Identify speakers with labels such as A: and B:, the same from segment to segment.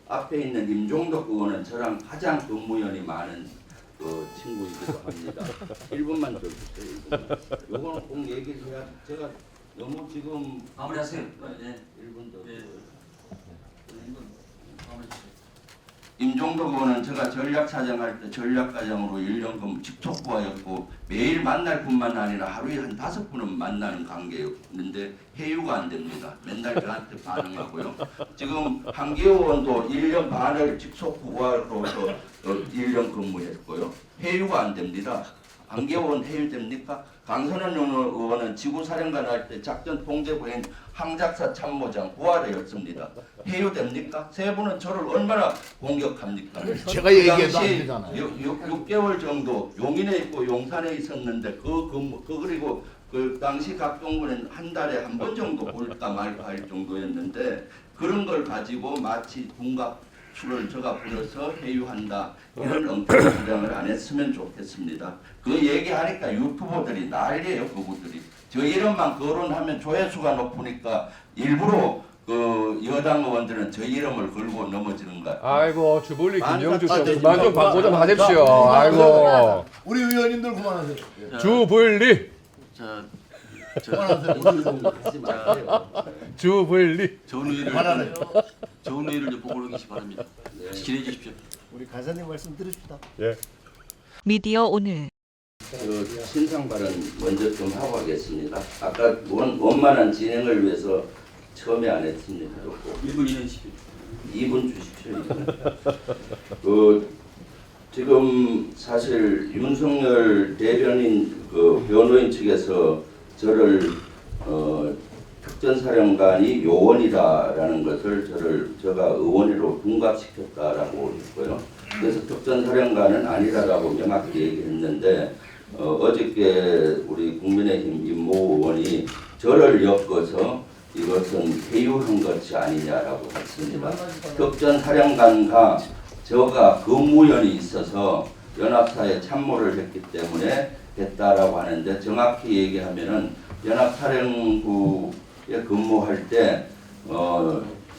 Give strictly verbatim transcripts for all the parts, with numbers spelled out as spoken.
A: 앞에 있는 임종덕 의원은 저랑 가장 근무연이 많은 그 친구이기도 합니다. 일 분만 더 주세요. 일 분만. 요거는 꼭 얘기를 해야 제가 너무 지금
B: 마무리하세요. 네.
A: 일 분 더.
B: 네. 마무리 주세요.
A: 임종덕 의원은 제가 전략사정할 때 전략과장으로 일 년 근무 직속부하였고 매일 만날 뿐만 아니라 하루에 한 다섯 분은 만나는 관계였는데 회유가 안 됩니다. 맨날 저한테 반응하고요. 지금 한기호 의원도 일 년 반을 직속부하로서 일 년 근무했고요. 회유가 안 됩니다. 한기호 의원 회유됩니까? 강선원 의원은 지구사령관 할 때 작전 통제부인 항작사 참모장 부하래였습니다. 회유됩니까? 세 분은 저를 얼마나 공격합니까?
C: 제가 얘기해도 안
A: 당시
C: 되잖아요.
A: 육- 육- 육 개월 정도 용인에 있고 용산에 있었는데 그 근무 그 그리고 그 당시 각동군은 한 달에 한 번 정도 볼까 말까 할 정도였는데 그런 걸 가지고 마치 군갑수를 저가 부려서 회유한다 이런 엉뚱한 주장을 안 했으면 좋겠습니다. 그 얘기하니까 유튜버들이 난리예요. 그분들이 저 이름만 거론하면 조회수가 높으니까 일부러 그 여당 의원들은 저 이름을 걸고 넘어지는 것 같아요.
D: 아이고 주불리 김영주
C: 아,
D: 씨
C: 네,
D: 그만 좀
C: 네,
D: 광고 좀
C: 네,
D: 하십시오.
C: 네,
D: 아이고
C: 우리 의원님들 그만하세요.
B: 자,
D: 주불리
B: 자,
C: 그만하세요.
A: 하지 마세요.
D: 주불리
B: 좋은 의의를
C: 그만하세요.
B: 좋은 의의를 좀 보고 계시 바랍니다.
A: 네.
B: 기대해 주십시오.
C: 우리 간사님 말씀 들읍시다.
D: 예.
E: 미디어 오늘
A: 그 신상 발언 먼저 좀 하고 하겠습니다. 아까 원, 원만한 진행을 위해서 처음에 안 했습니다.
B: 일 분 이내 십일.
A: 이 분 주십시오. 그 지금 사실 윤석열 대변인 그 변호인 측에서 저를 어, 특전사령관이 요원이다라는 것을 저를 제가 의원으로 둔갑시켰다라고 했고요. 그래서 특전사령관은 아니다라고 명확히 얘기했는데 어, 어저께 우리 국민의힘 임모 의원이 저를 엮어서 이것은 회유한 것이 아니냐라고 했습니다. 특전사령관과 저가 근무연이 있어서 연합사에 참모를 했기 때문에 됐다라고 하는데 정확히 얘기하면은 연합사령부에 근무할 때 어,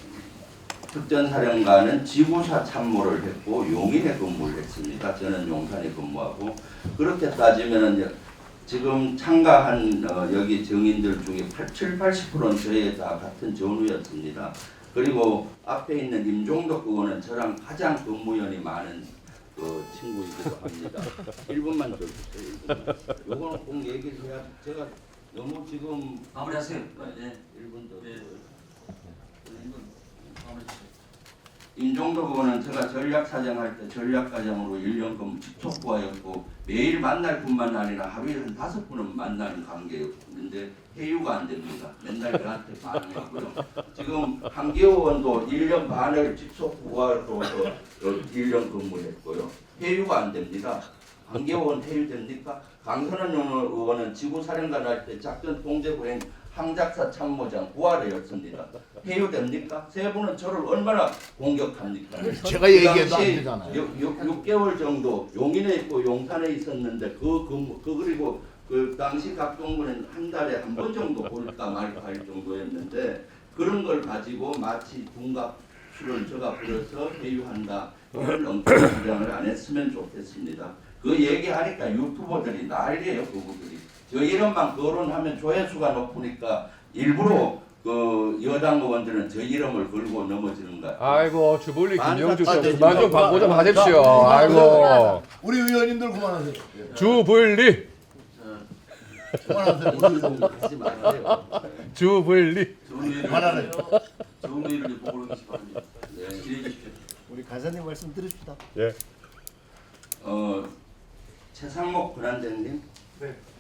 A: 특전사령관은 지구사 참모를 했고 용인에 근무를 했습니다. 저는 용산에 근무하고 그렇게 따지면은 지금 참가한 어, 여기 정인들 중에 칠, 팔십 퍼센트는 저희 다 같은 전우였습니다. 그리고 앞에 있는 임종덕 의원은 저랑 가장 근무연이 많은 그 친구이기도 합니다. 일 분만 더 주세요. 일 분만. 요거는 꼭 얘기를 해야 제가 너무 지금
B: 마무리하세요. 네.
A: 일 분 더.
B: 네. 일 분 마무리 주세요.
A: 임종덕 의원은 제가 전략사정할 때 전략과장으로 일 년 근무 직속부하였고 매일 만날 뿐만 아니라 하루에 한 다섯 분은 만나는 관계였는데 회유가 안 됩니다. 맨날 저한테 반응하고요. 지금 한기호 의원도 일 년 반을 직속부하로서 일 년 근무했고요. 회유가 안 됩니다. 한기호 의원 회유됩니까? 강선원 의원은 지구사령관 할 때 작전 통제부인 항작사 참모장 부하래였습니다. 회유됩니까? 세 분은 저를 얼마나 공격합니까?
C: 제가 얘기해도 안
A: 당시
C: 되잖아요.
A: 육- 육- 육 개월 정도 용인에 있고 용산에 있었는데 그 근무 그 그리고 그 당시 각동군은 한 달에 한 번 정도 볼까 말까 할 정도였는데 그런 걸 가지고 마치 군갑수를 저가 부려서 회유한다 이런 엉뚱한 주장을 안 했으면 좋겠습니다. 그 얘기하니까 유튜버들이 난리예요. 그분들이 저 이름만 거론하면 조회수가 높으니까 일부러 그 여당 의원들은 저 이름을 걸고 넘어지는 것 같아요.
D: 아이고 주불리 김영주 씨
C: 아, 네,
D: 그만 좀 광고 좀 하십시오.
C: 자,
D: 아이고
C: 우리 의원님들 그만하세요.
D: 주불리
B: 자,
C: 그만하세요.
A: 하지 마세요.
D: 주불리
B: 좋은 의의를
C: 그만하세요.
B: 좋은 의의를 좀 보고 계시 바랍니다.
A: 네.
B: 기대해 주십시오.
C: 우리 간사님 말씀 들읍시다.
D: 예.
A: 어 최상목 권한대행님
D: 네.